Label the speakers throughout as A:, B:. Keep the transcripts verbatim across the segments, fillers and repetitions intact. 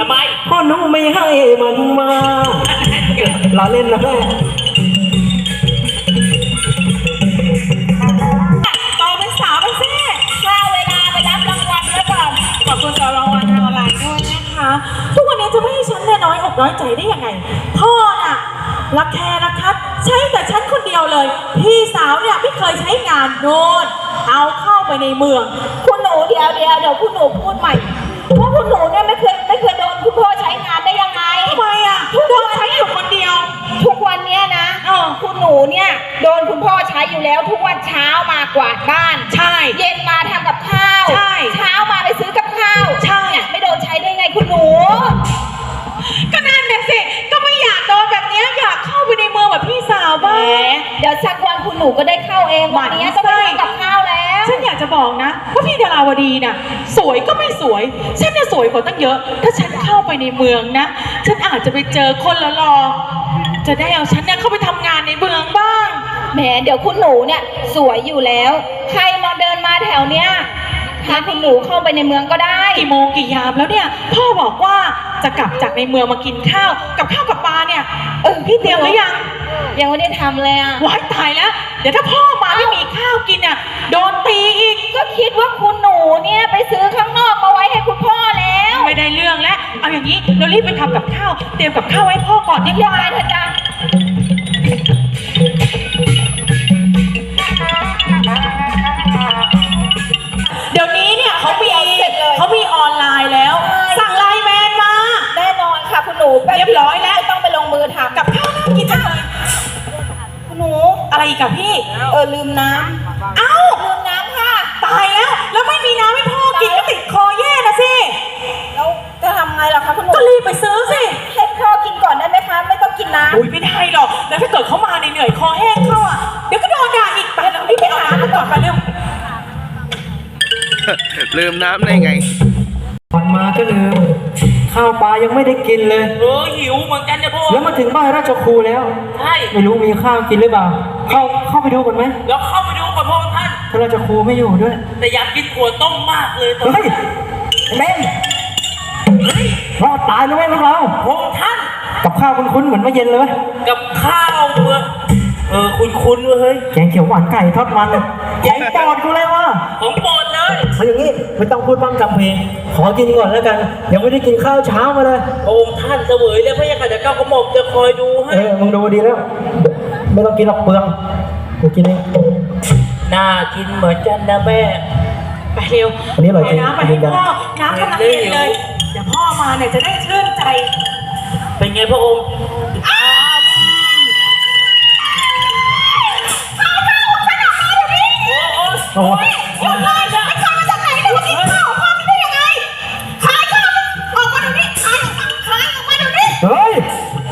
A: ทำไม
B: พ่อหนูไม่ให้มันมาล้อเล่นนะแม่
C: ต่อเป็นสาวไปสิว่าเวลาไปรับรางวัลแล้วก่อนขอบคุณสำหรับรางวัลทางออนไลน์ด้วยนะคะทุกวันนี้จะไม่ให้ฉันเนี่ยน้อยอกน้อยใจได้ยังไงพ่อน่ะรักแค่รักทัดใช้แต่ฉันคนเดียวเลยพี่สาวเนี่ยไม่เคยใช้งานโน่นเอาเข้าไปในเมืองคุณหนูเดี๋ยวเดี๋ยวเดี๋ยวคุณหนูพูดใหม่ว่าคุณหนูเนี่ยไม่เคยไม่เคยโดนคุณพ่อใช้งานได้ยังไงทำไมอ่ะโดนใช้อยู่คนเดียวทุกวันเนี้ยนะเออคุณหนูเนี่ยโดนคุณพ่อใช้อยู่แล้วทุกวันเช้ามากวาดบ้านใช่เย็นมาทำกับข้าวใช่เช้ามาไปซื้อกับข้าวใช่ไม่โดนใช้ได้ไงคุณหนูก็นั่นเนี่ยสิก็ไม่อยากโดนแบบนี้อยากเข้าไปในเมืองแบบพี่สาวบ้างเดี๋ยวสักวันคุณหนูก็ได้เข้าเองวันนี้ก็ไม่ทำกับข้าวแล้วฉันอยากจะบอกนะว่าพี่ดาราวดีน่ะสวยก็ไม่สวยฉันเนี่ยสวยกว่าตั้งเยอะถ้าฉันเข้าไปในเมืองนะฉันอาจจะไปเจอคนละหล่อจะได้เอาฉันเนี่ยเข้าไปทำงานในเมืองบ้างแหมเดี๋ยวคุณหนูเนี่ยสวยอยู่แล้วใครมาเดินมาแถวเนี้ยพาคุณหนูเข้าไปในเมืองก็ได้กี่โมงกี่ยามแล้วเนี่ยพ่อบอกว่าจะกลับจากในเมืองมากินข้าวกับข้าวกับปลาเนี่ยเออพี่เตรียมหรือยังยังไม่ได้ทำเลยอ่ะว้ายตายแล้วเดี๋ยวถ้าพ่อมาไม่มีข้าวกินอ่ะโดนตีอีกก็คิดว่าคุณหนูเนี่ยไปซื้อข้างนอกมาไว้ให้คุณพ่อแล้วไม่ได้เรื่องแล้วเอาอย่างนี้เรารีบไปทำกับข้าวเตรียมกับข้าวให้พ่อก่อนดีกว่าเถอะจ้าเดี๋ยวนี้เนี่ยเขามีเขามีออนไลน์แล้วสั่งไลน์แมนมาแน่นอนค่ะคุณหนูเรียบร้อยแล้วต้องไปลงมือทำกับข้าวน่ากินจังเลยคุณหนูอะไรอีกกับพี่เออลืมน้ำเอ้าลืมน้ำค่ะตายแล้วแล้วไม่มีน้ำให้พ่อกินก็ติดคอแย่นะสิแล้วจะทำไงล่ะคะคุณหนูก็รีบไปซื้อสิให้พ่อกินก่อนได้ไหมคะไม่ต้องกินน้ำอุ้ยไม่ได้หรอกแล้วถ้าเกิดเขามาเหนื่อยคอแห้งเข้าอ่ะเดี๋ยวก็โดนด่าอีกไปแล้วรีบไปหาน้ำก่อนไปเร็ว
D: ลืมน้ำได้ไง
B: ก่อนมาก็ลืมข้าวปลายังไม่ได้กินเลย
A: เออหิวเหมือนกันเนี่ยพ่อ
B: แล้วมาถึงบ้านราชครูแล้ว
A: ใช่
B: ไม่รู้มีข้าวกินหรือเปล่าเข้าเข้าไปดูก่อนไหม
A: แล้วเข้าไปดูก่อนพ่อท่าน
B: พระราชครูไม่อยู่ด้วย
A: แต่อยากกินถั่วต้มมากเลยตอน
B: นี้เล่นรอดตายแล้วไหมพวกเรา
A: พ่อท่าน
B: กับข้าวคุ้นๆเหมือนเมื่อเย็นเลย
A: กับข้าวเมื่อเออคุ้นๆเฮ้ย
B: แกงเขียวหวานไก่ทอดมันแกงปอดกูเลยวะ
A: ผมปอดเลย
B: เอาอย่างนี้ไม่ต้องพูดบ้างจำเพลงขอกินก่อนแล้วกันยังไม่ได้กินข้าวเช้ามาเลย
A: องค์ท่านเสวยแล้วพระยาค่ะจะก้าวกระหม่อมจะคอยดูให้
B: เออมึงดูดีแล้วไม่ต้องกินหรอกเปลืองกูกินเอง
A: น่ากินเหมือนกันนะแม่
C: ไปเร็ว
B: อันนี้อร่อยจริง
C: น้ำไปให้พ่อน้ำกำลังเย็นเลยเดี๋ยวพ่อมาเนี่ยจะได้ชื่นใจ
A: เป็นไงพระองค์
B: โอ้ย
C: หยุดเลยไอ้ข้าวมาจากไหนเนี่ยมากินข้าวพ่อไม่ได้ยังไงขายข้าวออกมาเดี๋ยวนี้ขายขายออกมาเดี๋ยวนี้
B: เฮ้ย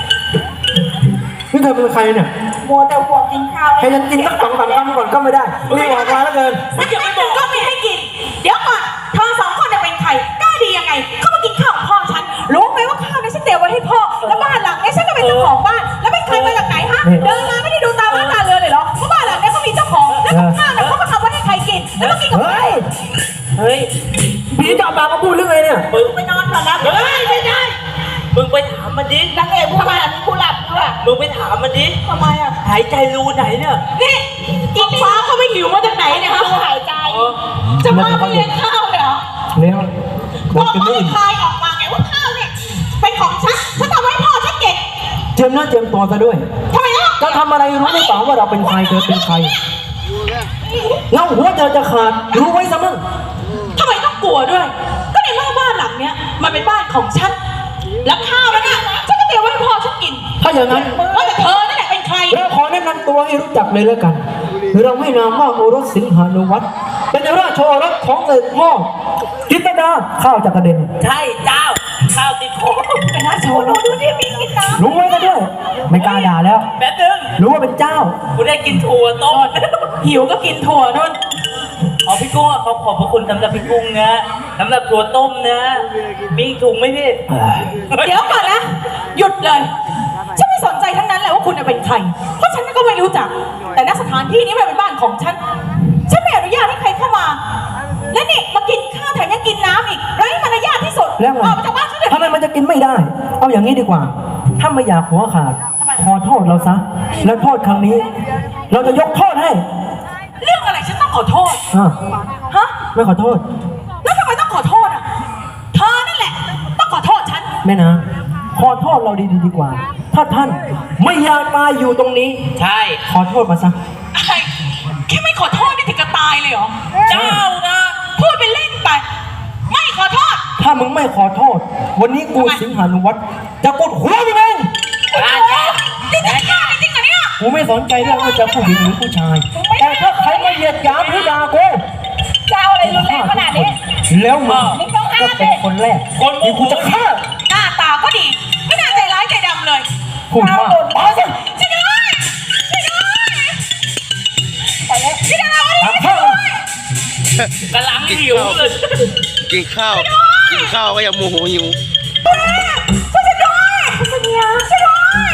B: นี่เธอเป็นใครเนี่ย
C: มัวแต่ห่วงกินข้าว
B: ให้ฉันกินสักสองสามคำก่อนก็ไม่ได้นี่ออกมาแล้วเกิน
C: ไม่อยากไม่บอกก็ไม่ให้กินเดี๋ยวก่อนเธอสองคนจะเป็นใครกล้าดียังไงเข้ามากินข้าวของพ่อฉันรู้ไหมว่าข้าวนี้ฉันเตรียมไว้ให้พ่อแล้วบ้านหลังนี้ฉันก็เป็นเจ้าของบ้านแล้วเป็นใครมาจากไหนฮะเดินมาไม่ได้ดูตาบ้านตาเรือนเลยเหรอเพราะบ้านหลังนี้เขามีเจ้าของแล้วข้าวเนี่ยเขาก็ทำไว้ให้ใครกินแล้วมากินกับใคร
A: เฮ้ย
B: พี่จะเอาปากมาพูดเรื่องอะไรเนี่ย
C: มึงไปนอนก่อนนะ
A: เฮ้ยไม่ได้มึงไปถามมันดิ
C: นางเอกผู้บ้านมีผู้หลับด้วย
A: มึงไปถามมันดิ
C: ทำไมอ่ะ
A: หายใจรูไหนเนี่ย
C: นี่กินฟ้าเขาไม่หิวมาจากไหนเนี่ยฮะหายใจจะมาไม่เลี้ยงข้าวเลยเหรอ
B: เลี้ยง
C: บอกไม่คลายออกมาไงว่าข้าวเนี่ยเป็นของฉันฉันทำให้พ่อฉันเก็บ
B: เจียมหน้าเจียมตัวซะด้วย
C: ทำไมล่ะ
B: จะทำอะไรรู้หรือเปล่าว่าเราเป็นใครเธอเป็นใครเงาหัวเธอจะขาดรู้ไว้ซะมั่ง
C: ทำไมต้องกลัวด้วยก็ในเมื่อบ้านหลังเนี้ยมันเป็นบ้านของฉันแล้วข้าวมันเนี่ยฉันก็เตรียมไว้ให้พ่อฉันกิน
B: ถ้าอย่างนั้น
C: ว่าแต่เธอนั่นแหละเป็นใคร
B: เราขอแนะนำตัวให้รู้จักเลยแล้วกันเราให้นามว่าโอรสสิงหานุวัฒน์เป็นราชโอรสของเสด็จพ่อจิตรดาข้าวจักรเด็น
A: ใช่เจ้าข้าวติดคอ
C: เป็นราชโอรสดูนี่มีกินน้ำ
B: รู้ไว้ก็ด้วยไม่กล้าด่าแล้ว
A: แป๊บนึง
B: รู้ว่าเป็นเจ้า
A: กูได้กินถั่วต้ม
C: หิวก็กินถั่วนู่น
A: อ๋อพี่กุ้งเขาขอบพระคุณสำหรับพี่กุ้งนะสำหรับถั่วต้มนะมีถุงไหมพี่
C: เดี๋ยวก่อนนะหยุดเลยฉันไม่สนใจทั้งนั้นแหละว่าคุณเป็นใครเพราะฉันก็ไม่รู้จักแต่ณสถานที่นี้มันเป็นบ้านของฉันฉันไม่อนุญาตให้ใครเข้ามาและนี่มากินข้าวแถมยังกินน้ำอีกไร้มารยาทที่สุดออกมาจากบ้านฉันเดี๋ยว
B: ทำไมมันจะกินไม่ได้ เอาอย่างนี้ดีกว่า ถ้าไม่อยากหัวขาด ขอโทษเราซะ แล้วโทษครั้งนี้ เราจะยกโทษให้
C: เรื่องอะไรฉันต้องขอโทษ
B: อ่ะ
C: ฮะ
B: ไม่ขอโทษ
C: แล้วทำไมต้องขอโทษอ่ะ เธอนั่นแหละ ต้องขอโทษฉัน
B: แม่นางขอโทษเราดีๆดีกว่า ถ้าท่านไม่อยากตายอยู่ตรงนี้
A: ใช่
B: ขอโทษมาซะ
C: อะไรแค่ไม่ขอโทษนี่ถึงกับตายเลยเหรอ
A: เจ้านะ
C: พูดไปเล่นไป ไม่ขอโทษ
B: ถ้ามึงไม่ขอโทษ วันนี้กูสิงหานุวัตรจะกดหัวมึงเอง
A: ราชา
C: นี่จะฆ่าจริงเหรอเนี่ย
B: กูไม่สนใจเรื่องว่าจะผู้หญิงหรือผู้ชาย แต่ถ้าใครมาเหยียดหยามหรือด่ากู
C: จะเอาอะไรรุนแรงขนาดนี้
B: แล้วมึงก็เป็นคนแรกที่กูจะฆ่า
C: หน้าตาก็ดี ไม่น่าใจร้ายใจดำเลย
B: พูดมาก
C: มาสิช่วยด้วยช่วยด้วยไปแล้วช่วยด้วย
B: ตามข้าว
A: กำลังหิวเลย
D: กินข้าว กินข้าวก็ยังโมโหหิว
C: ช่วยฉันด้วยช่วยด้วยช่วยด้วย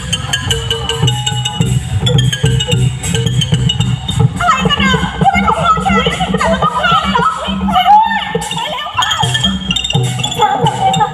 C: อะไรกันอ่ะทำไมต้องฆ่าฉันแต่มันต้องฆ่าเลยเหรอช่วยด้วยไปแล้วค่ะช้าจังเลยค่ะ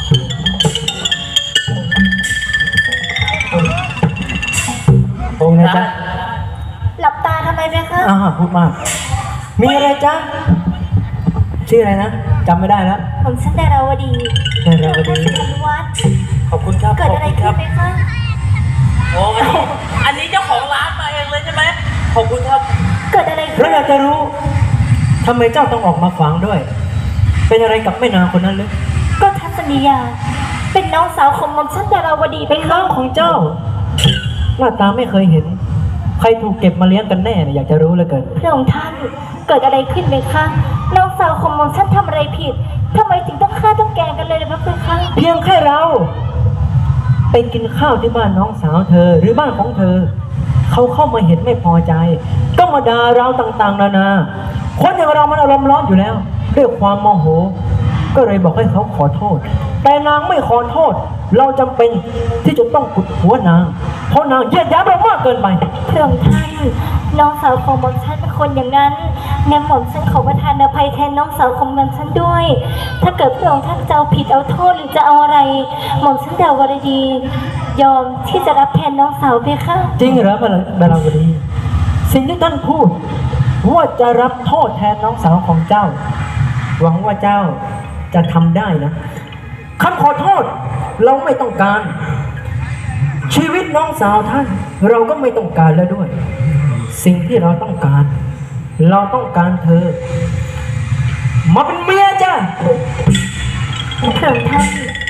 B: ตรงนะจ๊ะ
C: หลับตาทำไมไหมคะ
B: อ่าพูดมาก มีอะไรจ๊ะ ชื่ออะไรนะจำไม่ได้แล้ว
C: ผมชื่อดาราวดี
B: ดาราวดี
C: ท่านวัด
B: ขอบคุณครับ
C: เกิดอะไร
B: ขบ
C: ขึ้
B: คุณ
C: ไหมคะ
A: โอ้อันนี้อันนี้เจ้าของร้านมาเองเลยใช่ไหมขอบคุณครับ
C: เกิดอะไรขึ้
B: เรา
C: น
B: อยากจะรู้ทำไมเจ้าต้องออกมาขวางด้วย เป็นอะไรกับแม่นางคนนั้นหรือ
C: ก็ทัศนียา เป็นน้องสาวของหมอมชันดาราวดี
B: เป็นน้องของเจ้า หน้าตาไม่เคยเห็น ใครถูกเก็บมาเลี้ยงกันแน่เนี่ยอยากจะรู้เหลือเกิน
C: พระองค์ท่านเกิดอะไรขึ้นไหมคะน้องสาวของหมอมชันทำอะไรผิดทำไมถึงต้องฆ่าต้องแกล้งกันเลยนะพระคุณคะ
B: เพียงแค่เรา ไปกินข้าวที่บ้านน้องสาวเธอหรือบ้านของเธอ เขาเข้ามาเห็นไม่พอใจ ก็มาด่าเราต่างๆ นานา คนอย่างเรามันอารมณ์ร้อนอยู่แล้วด้วยความโมโห ก็เลยบอกให้เขาขอโทษ แต่นางไม่ขอโทษ เราจำเป็นที่จะต้องกุดหัวนาง เพราะนางเหยียดหยามเรามากเกินไป
C: พระองค์ท่านน้องสาวของหมอมชันเป็นคนอย่างนั้นงั้นหมอมชันขอประทานอภัยแทนน้องสาวของหมอมชันด้วย ถ้าเกิดพระองค์ท่านจะเอาผิดเอาโทษหรือจะเอาอะไรหมอมชันดาวรดี ยอมที่จะรับแทนน้องสาวเพคะ
B: จริงเหรอบาลบาลาวดี สิ่งที่ท่านพูดว่าจะรับโทษแทนน้องสาวของเจ้า หวังว่าเจ้าจะทำได้นะคำขอโทษเราไม่ต้องการ ชีวิตน้องสาวท่าน เราก็ไม่ต้องการแล้วด้วย สิ่งที่เราต้องการ เราต้องการเธอ มาเป็นเมียจ้ะ
C: พระองค์ท่าน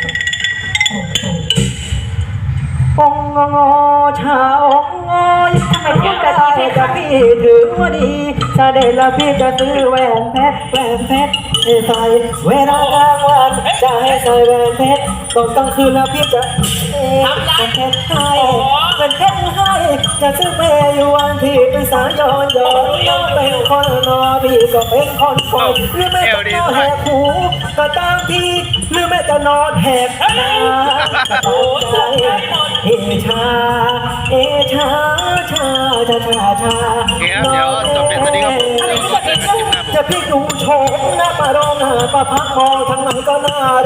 B: องงอชาองงอยทำไมพูดแบบนี้จะพี่ถือว่าดีถ้าได้ละพี่จะซื้อแหวนเพชรแหวนเพชรให้ใส่เวลากลางวันจะให้ใส่แหวนเพชรตอนกลางคืนแล้วพี่จะเอ๊ะเป็นเพชรให้เป็นเพชรให้จะซื้อเปย์อยู่วันที่เป็นสายย้อนย้อนย้อนเป็นคนนอพี่ก็เป็นคนคอยหรือไม่จะนอนแหกหูก็ตามที่หรือไม่จะนอนแหกตาก็ตามใจ เอชา เอชา ชา ชา ชา ชา
D: โอเคครับเดี๋ยวจบเป็นตอนนี้ครับผมเดี๋ยวขอเจอกันคลิปหน้าผม
B: จะพี่ดูโฉมหน้าปารองหน้าประพักมองทางไหนก็น่า